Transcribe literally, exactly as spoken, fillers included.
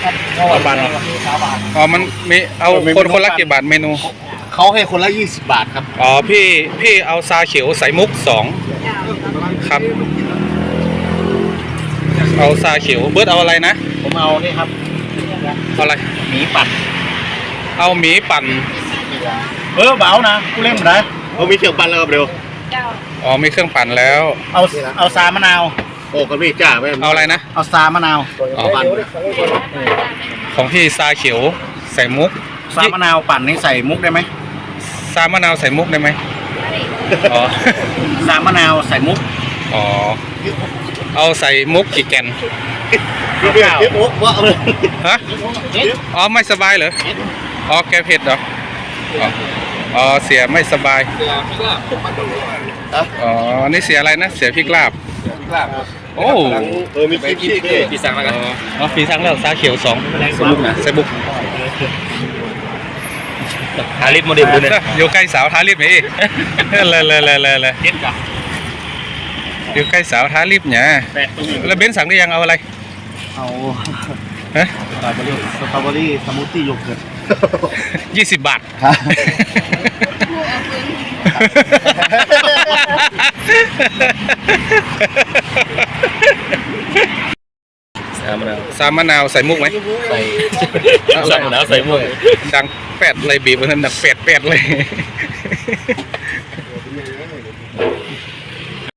สามบาทอ๋อมันมีเอาคนคนละกี่บาทเมนูเขาให้คนละยี่สิบบาทครับอ๋อพี่พี่เอาซาเขียวใส่มุกสองครับเอาซาเขียวเบิร์ดเอาอะไรนะผมเอานี่ครับเอาอะไรหมีปั่นเอาหมีปั่นเออเบานะกูเล่นมาได้เขามีเครื่องปั่นแล้วเร็วอ๋อมีเครื่องปั่นแล้วเอาเอาซามะนาวโอ้ก็มีจ้าไม่เอาอะไรนะเอาซามะนาวปั่นของพี่ซาเขียวใส่มุกซามะนาวปั่นนี่ใส่มุกได้ไหมซามะนาวใส่มุกได้ไหมอ๋อซามะนาวใส่มุกอ๋อเอาใส่มุกกี่แกนฮะอ๋อไม่สบายเหรออ๋อแกเผ็ดเหรออ๋อเสียไม่สบายอ๋อนี่เสียอะไรนะเสียพริกลาบโอ้เออมีพริกปีสังแล้วกันอ๋อปีสังแล้วซาเขียวสองใส่บุกนะใส่บุกทาลิปโมเดลดูเนี่ยอยู่ใกล้สาวทาลิปนี่เลยเลยเลยเลยเลยอยู่ใกล้สาวทาลิปเนี่ยแล้วเบนสั่งได้ยังเอาอะไรเอาฮะสตรอเบอรี่สตรอเบอรี่สมูทตี้โยเกิร์ตยี่สิบบาทซามะนาวซามะนาวใส่มุกไหมใส่ซามะนาวใส่มุกดังแปดเลยบีบมันดังแปดแปดเลย